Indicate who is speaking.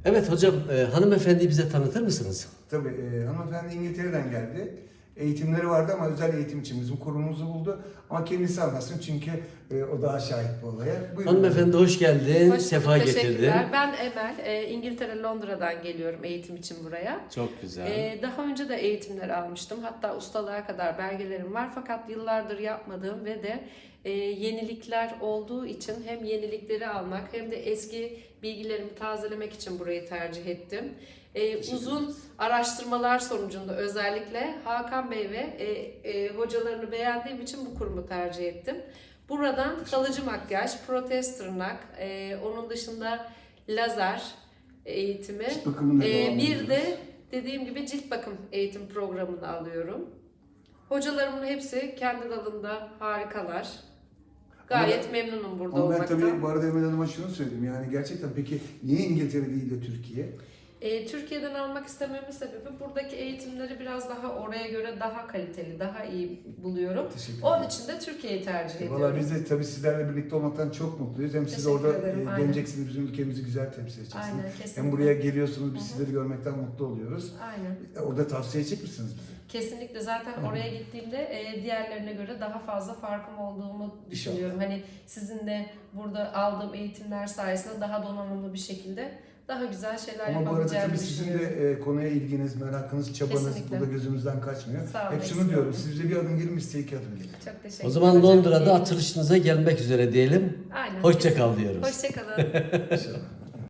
Speaker 1: Evet hocam, hanımefendiyi bize tanıtır mısınız?
Speaker 2: Tabii hanımefendi İngiltere'den geldi. Eğitimleri vardı ama özel eğitim için bizim kurumumuzu buldu. Ama kendisi anlatsın çünkü o daha şahit bu olaya. Buyurun.
Speaker 1: Hanımefendi hoş geldin,
Speaker 3: Hoş
Speaker 1: sefa
Speaker 3: bulduk,
Speaker 1: getirdin.
Speaker 3: teşekkürler. Ben Emel, İngiltere Londra'dan geliyorum eğitim için buraya.
Speaker 1: Çok güzel.
Speaker 3: Daha önce de eğitimler almıştım. Hatta ustalığa kadar belgelerim var. Fakat yıllardır yapmadığım ve de yenilikler olduğu için hem yenilikleri almak hem de eski bilgilerimi tazelemek için burayı tercih ettim. Uzun araştırmalar sonucunda özellikle Hakan Bey ve hocalarını beğendiğim için bu kurumu tercih ettim. Buradan kalıcı makyaj, protez tırnak, onun dışında lazer eğitimi,
Speaker 2: Cilt bakımına devam
Speaker 3: bir
Speaker 2: ediyoruz.
Speaker 3: de dediğim gibi cilt bakım eğitim programını alıyorum. Hocalarımın hepsi kendi dalında harikalar. Gayet memnunum burada
Speaker 2: Ama ben
Speaker 3: olmaktan.
Speaker 2: tabii bu arada Emel Hanım'a şunu söyleyeyim. Yani gerçekten peki niye İngiltere değil de Türkiye?
Speaker 3: Türkiye'den almak istememin sebebi buradaki eğitimleri biraz daha oraya göre daha kaliteli, daha iyi buluyorum.
Speaker 2: Teşekkür
Speaker 3: Onun
Speaker 2: ederim.
Speaker 3: için de Türkiye'yi tercih ediyorum.
Speaker 2: Valla biz de tabii sizlerle birlikte olmaktan çok mutluyuz. Hem siz
Speaker 3: Teşekkür
Speaker 2: orada
Speaker 3: ederim, aynen.
Speaker 2: geleceksiniz, bizim ülkemizi güzel temsil edeceksiniz.
Speaker 3: Aynen, kesinlikle.
Speaker 2: Hem buraya geliyorsunuz, biz
Speaker 3: Hı hı.
Speaker 2: sizleri görmekten mutlu oluyoruz.
Speaker 3: Aynen.
Speaker 2: Orada tavsiye edecek misiniz bize?
Speaker 3: Kesinlikle zaten oraya gittiğimde diğerlerine göre daha fazla farkım olduğumu düşünüyorum. Hani sizin de burada aldığım eğitimler sayesinde daha donanımlı bir şekilde daha güzel şeyler
Speaker 2: Ama bu arada
Speaker 3: yapabileceğimi
Speaker 2: tabii sizin
Speaker 3: düşünüyorum.
Speaker 2: de konuya ilginiz, merakınız, çabanız
Speaker 3: Kesinlikle.
Speaker 2: burada gözümüzden kaçmıyor.
Speaker 3: Sağ olun,
Speaker 2: Hep
Speaker 3: eksik
Speaker 2: şunu diyorum,
Speaker 3: olmayın.
Speaker 2: siz bize bir adım gelin, biz size iki adım gelin.
Speaker 3: Çok teşekkür
Speaker 1: O zaman
Speaker 3: ederim.
Speaker 1: Londra'da açılışınıza gelmek üzere diyelim.
Speaker 3: Aynen.
Speaker 1: Hoşça kal diyoruz.
Speaker 3: Hoşça kalın.
Speaker 2: İnşallah.